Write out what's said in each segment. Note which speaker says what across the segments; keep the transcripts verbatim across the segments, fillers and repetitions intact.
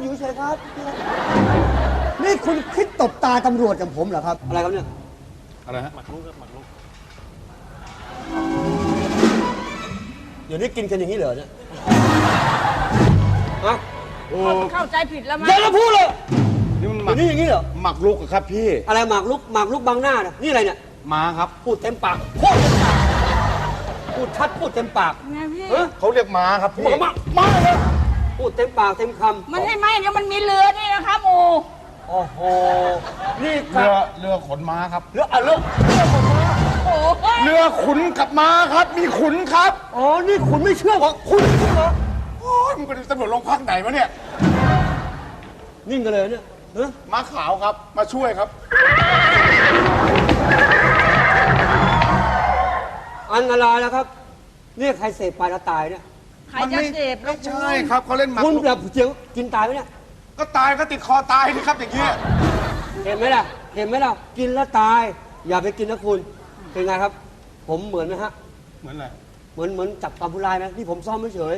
Speaker 1: อยู่เฉยครับนี่คุณคิดตบตาตำรวจกับผมเหรอครับอะไรครับเนี่ย
Speaker 2: อะไรฮะหมักลุกหมักลุก
Speaker 1: เดี๋ยวนี้กินกันอย่างนี้เหรอเนี่ยฮะ
Speaker 3: โอ้เข้าใจผิดแล้วมั้ย
Speaker 1: เดี๋ยวเราพูดเลย
Speaker 2: นี่มันหมัก
Speaker 1: นี่อย่างนี้เหรอ
Speaker 2: หมักลุกครับพี่
Speaker 1: อะไรหมักลุกหมักลุกบังหน้าเนี่ยนี่อะไรเนี่ย
Speaker 2: ม้าครับ
Speaker 1: พูดเต็มปากพูดเต็มปากพูดชัดพูดเต็มปาก
Speaker 3: ไงพี่
Speaker 2: เขาเรียกม้าครับพี่
Speaker 1: ม้าม้าเลยพูดเต็มปากเต็มคำ
Speaker 3: มันไม่ไม่เดี๋ยวมันมีเรือนี่นะครับโอ้
Speaker 1: โอ้โหนี่
Speaker 2: เรือเรือขนม้าครับ
Speaker 1: เรืออ่ะเรือเรือขนม้า
Speaker 3: โอ้
Speaker 2: เรือขุนกับม้าครับมีขุนครับ
Speaker 1: อ๋อนี่ขุนไม่เชื่อเหรอขุนไม่เชื่อเหรอ
Speaker 2: โอ้ยมึงเป็นตำรวจโรงพักไหนวะเนี่ย
Speaker 1: นิ่งกันเลยเนี่ย
Speaker 2: ม้าขาวครับมาช่วยครับ
Speaker 1: อันตรายนะครับนี่ใครเสพไปแล้วตายเนี่ย
Speaker 3: ใครจะเสพ
Speaker 2: ไม่ใช่ครับเขาเล่นหมาก
Speaker 1: คุณแบบเจียวกินตายไหมเนี่ย
Speaker 2: ก็ตายก็ติดคอตายนี่ครับอย่างเงี้ย
Speaker 1: เห็นไหมล่ะเห็นไหมล่ะกินแล้วตายอย่าไปกินนะคุณเป็นไงครับผมเหมือนไหมฮะ
Speaker 2: เหมือนอะไร
Speaker 1: เหมือนเหมือนจับตามผู้ร้ายไหมที่ผมซ่อมไม่เฉย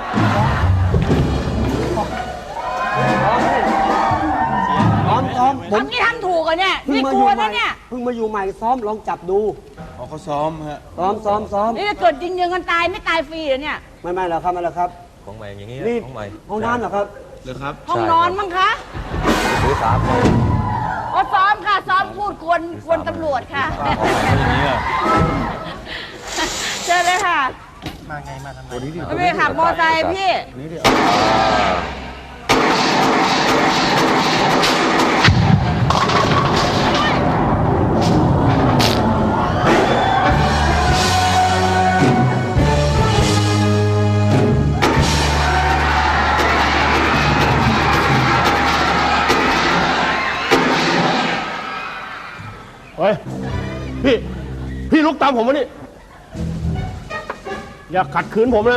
Speaker 1: ซ้อมซ้อม
Speaker 3: ทำนี่ทำถูกอ่ะเนี่ยนี่กลัวนะเนี่ย
Speaker 1: เพิ่งมาอยู่ใหม่ซ้อมลองจับดู
Speaker 2: อ๋อเขาซ้อมฮะ
Speaker 1: ซ้อมซ้อมซ้อม
Speaker 3: นี่เกิดจริงยิงกันตายไม่ตายฟรีเหรอเนี่ย
Speaker 1: ไม่ไม่หรอกครับไม่หรอกครับ
Speaker 4: ของใหม่อย่างนี้
Speaker 1: ของใหม่ห้องน้ำเหรอครับ
Speaker 2: เหรอครับ
Speaker 3: ห้องนอนมั้งคะ
Speaker 4: ซื้อสามคน
Speaker 3: อ๋อซ้อมค่ะซ้อมพูดกวนกวนตำรวจค่ะเจอเลยค่ะ
Speaker 2: มาไงมาทำไม
Speaker 3: ไม่ขับมอไซค์พี่
Speaker 2: นี่ดิ
Speaker 5: เฮ้ยพี่พี่ลุกตามผมมานี่อย่าขัดขืนผมนะ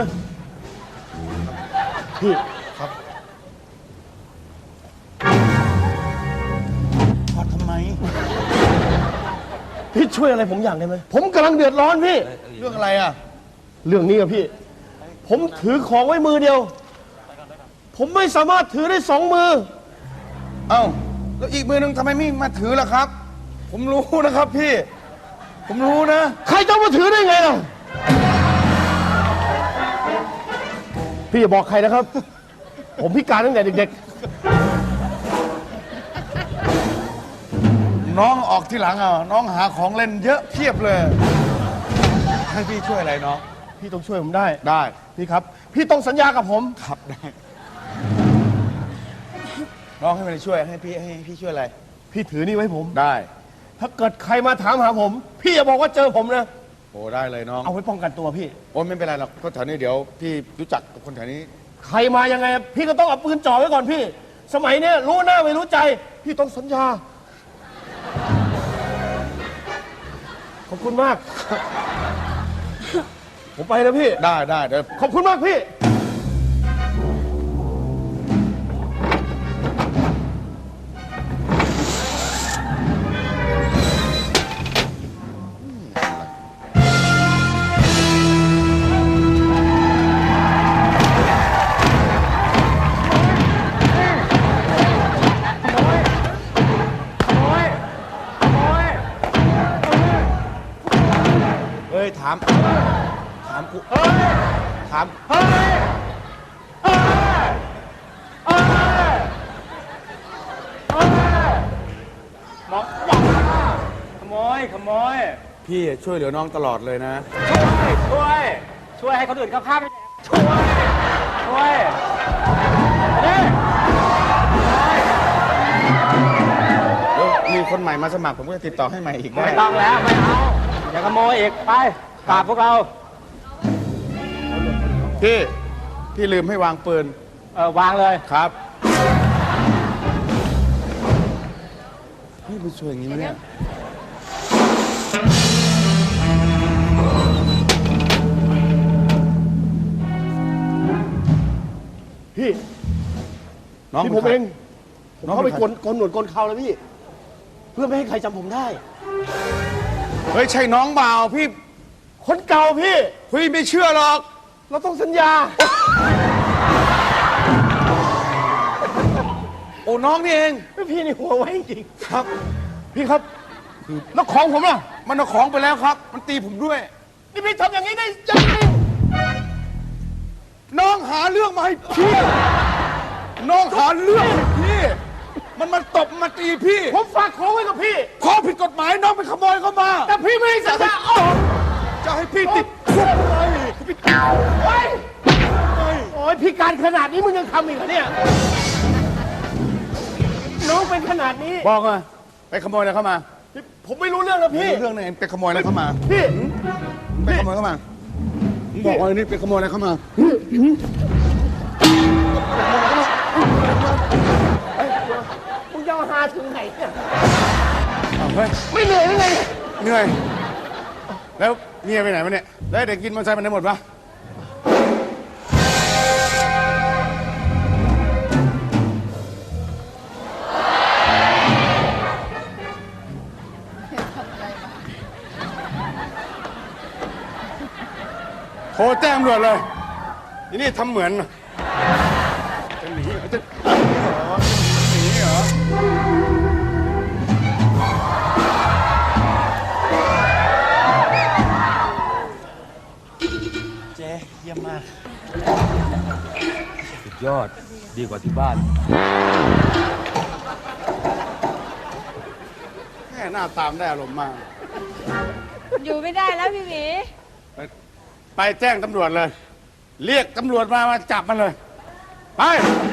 Speaker 5: พี่
Speaker 2: ครับพอทำไม
Speaker 5: พี่ช่วยอะไรผมอย่างได้ไหมผมกำลังเดือดร้อนพี่
Speaker 2: เรื่องอะไรอ่ะ
Speaker 5: เรื่องนี้อะพี่ผมถือของไว้มือเดียวผมไม่สามารถถือได้สองมือ
Speaker 2: เอ้าแล้วอีกมือหนึ่งทำไมไม่มาถือล่ะครับผมรู้นะครับพี่ผมรู้นะ
Speaker 5: ใครจะมาถือได้ไงล่ะพี่อย่าบอกใครนะครับผมพิการตั้งแต่เด็ก
Speaker 2: ๆน้องออกที่หลังอ่ะน้องหาของเล่นเยอะเพียบเลยให้พี่ช่วยอะไรน้อง
Speaker 5: พี่ต้องช่วยผมได้
Speaker 2: ได้
Speaker 5: พี่ครับพี่ต้องสัญญากับผม
Speaker 2: ครับได้น้องให้มันช่วยให้พี่ให้พี่ช่วยอะไร
Speaker 5: พี่ถือนี่ไว้ผม
Speaker 2: ได้
Speaker 5: ถ้าเกิดใครมาถามหาผมพี่อย่าบอกว่าเจอผมนะ
Speaker 2: โอ้ได้เลยน้อง
Speaker 5: เอาไว้ป้องกันตัวพี่
Speaker 2: โอ้ไม่เป็นไรหรอกคนแถวนี้เดี๋ยวพี่รู้จักกับคนแถวนี้
Speaker 5: ใครมายังไงพี่ก็ต้องเอาปืนจ่อไว้ก่อนพี่สมัยเนี้ยรู้หน้าไม่รู้ใจพี่ต้องสัญญาขอบคุณมากผมไปแล้วพี่
Speaker 2: ได้ได้เดี๋ยว
Speaker 5: ขอบคุณมากพี่
Speaker 2: ถามถามกูถาม
Speaker 5: เฮ้ยหมอขโมยขโมย
Speaker 2: พี่ช่วยเหลือน้องตลอดเลยนะ
Speaker 5: ช่วยช่วยช่วยให้คนอื่นเขาฆ่าไม่ได้ช่วยช่วย
Speaker 2: เดี๋ยวมีคนใหม่มาสมัครผมก็จะติดต่อให้ใหม่อีกได้
Speaker 5: ไม่ต้องแล้วไม่เอาอย่าขโมยอีกไปกราบพวกเรา
Speaker 2: พี่พี่ลืมให้วางปืน
Speaker 5: เออวางเลย
Speaker 2: ครับนี่มันช่วยอย่างนี้ไหมเนี่ย
Speaker 5: พี่น้องพี่ผมเองผมเข้าไปกลกลหนวดกลเขาแล้วพี่เพื่อไม่ให้ใครจำผมได้
Speaker 2: เฮ้ยใช่น้องเปล่าพี่
Speaker 5: คนเก่าพี่
Speaker 2: พี่ไม่เชื่อหรอก
Speaker 5: เราต้องสัญญา
Speaker 2: โอ้น้องนี่เอง
Speaker 5: พี่นี่หัวไว้จริง
Speaker 2: ครับ
Speaker 5: ๆพี่ครับแล้วของผมล่ะ
Speaker 2: มันเอาของไปแล้วครับ มันตีผมด้วย
Speaker 5: นี่พี่ทำอย่างนี้ได้ยังไง
Speaker 2: น้องหาเรื่องมาให้พี่ น้องหาเรื่องให้พี่ มันมาตบมาตีพี่
Speaker 5: ผมฝากของไว้กับพี่
Speaker 2: ของผิดกฎหมายน้องไปขโมยเข้ามา
Speaker 5: แต่พี่ไม่ให้สัญญาอ้อ
Speaker 2: จะให้พี่ติดคุกเลย
Speaker 5: โอ้ยโอ้ยพี่การขนาดนี้มึงยังทำอีกเหรอเนี่ย น้องเป็นขนาดนี้
Speaker 2: บอกมาไปขโมยอะไรเข้ามา
Speaker 5: ผมไม่รู้เรื่องนะพี่
Speaker 2: เรื่องไหนไปขโมยอะไรเข้ามา
Speaker 5: พี่
Speaker 2: ไปขโมยเข้ามามึงบอกว่านี่ไปขโมยอะไรเข้ามา
Speaker 5: มึงจะเอาหาถึงไหนเนี่ย
Speaker 2: อ้าวเฮ้ย
Speaker 5: ไม่เหนื่อยหรือไง
Speaker 2: เหนื่อย แล้วเมียไปไหนวะเนี่ย แล้วเด็กกินมอเตอร์ไซค์มันได้หมดปะ โทรแจ้งตำรวจเลยทีนี่ทำเหมือน จะหนีเหรอจะหนีเหรอ
Speaker 4: เจ๊เยี่ยมมาก สุดยอด ดีกว่าที่บ้าน
Speaker 2: แค่หน้าตามได้อารมณ์มาก
Speaker 3: อยู่ไม่ได้แล้วพี่หมี
Speaker 2: ไปไปแจ้งตำรวจเลย เรียกตำรวจมามาจับมันเลย ไป